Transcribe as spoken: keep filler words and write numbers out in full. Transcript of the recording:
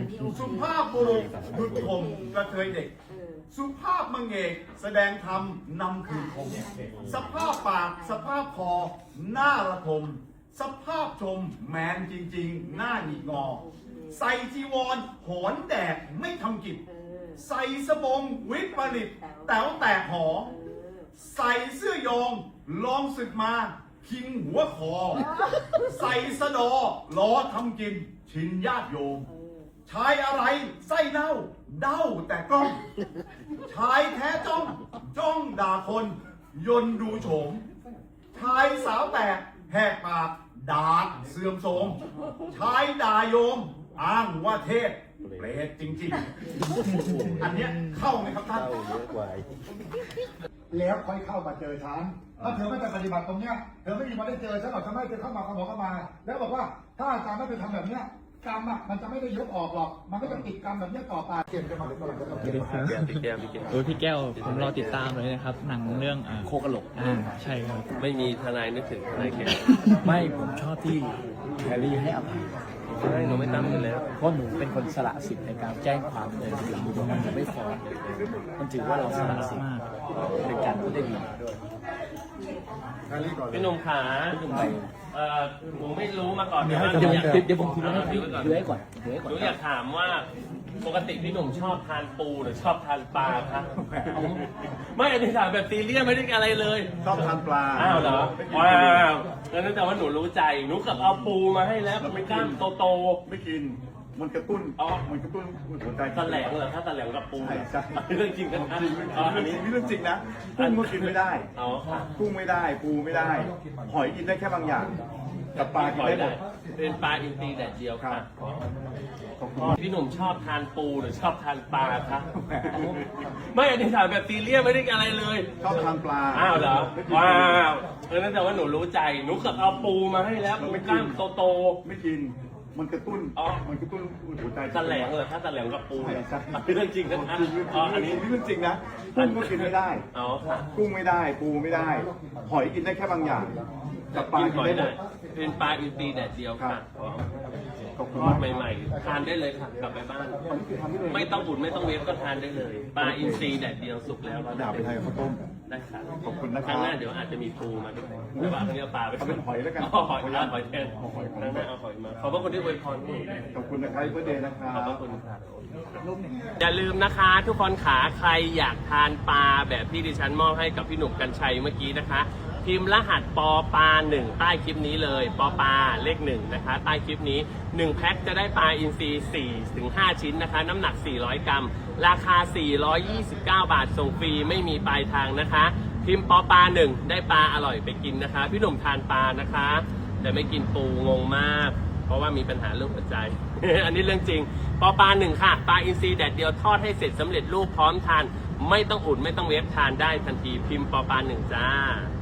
สุภาพบุรุษดุจคมกระเทยเด็ก สุภาพมังเอกแสดงธรรมนำคืนคมสภาพปากสภาพคอหน้าระทมสภาพชมแมนจริงๆ หน้าหงิกงอ ใส่จีวรหอนแดดไม่ทำกิจใส่สบงวิปริตแต๋วแตกหอ ใส่เสื้อยองลองศึกมาคิงหัวคอ ใส่สะดอล้อทำกินชินญาติโยมชายอะไรไส้เน่าเด้าแต่กล้องชายแท้จ้องจ้องด่าคนยนดูโฉมชายสาวแตกแหกปากด่าเสื่อมโทรมชายด่าโยมอ้างว่าเทศเปรตจริงๆอันเนี้ยเข้าไหมครับท่านแล้วค่อยเข้ามาเจอฉันถ้าเธอไม่ไปปฏิบัติตรงเนี้ยเธอไม่มีวันได้เจอฉันหรอกทำไมเธอเข้ามาขโมยเข้ามา แล้วบอกว่าถ้าอาจารย์ไม่ไปทำแบบเนี้ยกรรมอ่ะมันจะไม่ได้ยกออกหรอกมันก็จะติดกรรมแบบเนี้ยต่อไปเก็บจะมาหรือเปล่าจะต้องเก็บพี่แก้วพี่แก้วพี่แก้วโอ้ยพี่แก้วผมรอติดตามเลยนะครับ หนังเรื่องอ่าโคกระโหลกอ่าใช่ครับไม่มีทนายนึกถึงทนายแก้วไม่ผมชอบที่แพรรี่ให้อภัยใช่หนูไม่ตั้งอยู่แล้วเพราะหนูเป็นคนสละสิทธิ์ในการแจ้งความเลยหลังมันจะไม่ฟ้องมันถือว่าเราสละสิทธิ์เป็นการพูดได้ดีพี่หนุ่มขาพี่หนุ่มไปเอ่อหนูไม่รู้มาก่อนเดี๋ยวว่าเดี๋ยวอยากเดี๋ยวเดี๋ยวผมคุยให้ดูไว้ก่อนดูให้ก่อนดูให้หก่อนนูอยากถามว่าปกติพี่หนุ่มชอบทานปูหรือชอบทานปลาคะไม่อันนี้ถามแบบซีเรียสไม่ได้อะไรเลยชอบทานปลาอ้าวเหรอว้าวงั้นแต่ว่าหนูรู้ใจหนูกับเอาปูมาให้แล้วปูกล้ามโตไม่กิน มันกระตุ้นอ๋อมันกระตุ้นหัวใจๆตะแหลงเหรอถ้าตะแหลงกับปูใช่ใช่เรื่องจริงกันนะจริงอ๋ออันนี้นี่เรื่องจริงนะกุ้งก็กินไม่ได้อ๋อค่ะกุ้งไม่ได้ ปูไม่ได้ หอยกินได้แค่บางอย่าง กับปลากินได้หมดเป็นปลาอินทรีแดดเดียวค่ะขอบคุณพี่หนุ่มชอบทานปูหรือชอบทานปลาคะไม่อันนี้ถามแบบซีเรียสไม่ได้อะไรเลยชอบทานปลาอ้าวเหรอว้าวเออนั่นแต่ว่าหนูรู้ใจหนูกับเอาปูมาให้แล้วปูกล้ามโตไม่กิน มันกระตุ้นอ๋อมันกระตุ้นหัวใจๆตะแหลงเหรอถ้าตะแหลงกับปูใช่เหรอใช่เรื่องจริงกันนะจริงอ๋ออันนี้นี่เรื่องจริงนะ กุ้งก็กินไม่ได้อ๋อค่ะกุ้งไม่ได้ ปูไม่ได้ หอยกินได้แค่บางอย่าง กับปลากินได้หมดเป็นปลาอินทรีแดดเดียวค่ะขอบคุณทอมาดกใหม่ๆทานได้เลยค่ะกลับไปบ้านอันนี้คือทำได้เลยไม่ต้องอุ่นไม่ต้องเวฟก็ทานได้เลย ปลาอินทรีแดดเดียวสุกแล้วด่าไปไทยข้าวต้มได้ค่ะขอบคุณนะคครัรั้บงหน้าเดี๋ยวอาจจะมีปูมาด้วยแต่ว่าครั้งนี้เอาปลาไปเอาเป็นหอยแล้วกันอ๋อหอยเอาหอยแทนครั้งหน้าเอาหอยมาขอบพระคุณที่อวยพรพี่ขอบคุณนะครับเพื่อเดย์นะครัขอบพบระคุณครับอย่าลืมนะคะทุกคนขาใครอยากทานปลาแบบที่ดิฉันมอบให้กับพี่หนุ่มกัญชัยเมื่อกี้นะคะพิมพ์รหัสปอปลาหนึ่งใต้คลิปนี้เลยปอปลาเลขหนึ่งนะคะใต้คลิปนี้หนึ่งแพ็คจะได้ปลาอินทรีสี่ถึงห้าชิ้นนะคะน้ำหนักสี่ร้อยกรัมราคาสี่ร้อยยี่สิบเก้าบาทส่งฟรีไม่มีปลายทางนะคะพิมพ์ปอปลาหนึ่งได้ปลาอร่อยไปกินนะคะพี่หนุ่มทานปลานะคะแต่ไม่กินปูงงมากเพราะว่ามีปัญหาเรื่องหัวใจ อันนี้เรื่องจริงปอปลาหนึ่งค่ะปลาอินทรีแดดเดียวทอดให้เสร็จสำเร็จรูปพร้อมทานไม่ต้องอุ่นไม่ต้องเวฟทานได้ทันทีพิมพ์ปอปลาหนึ่งจ้า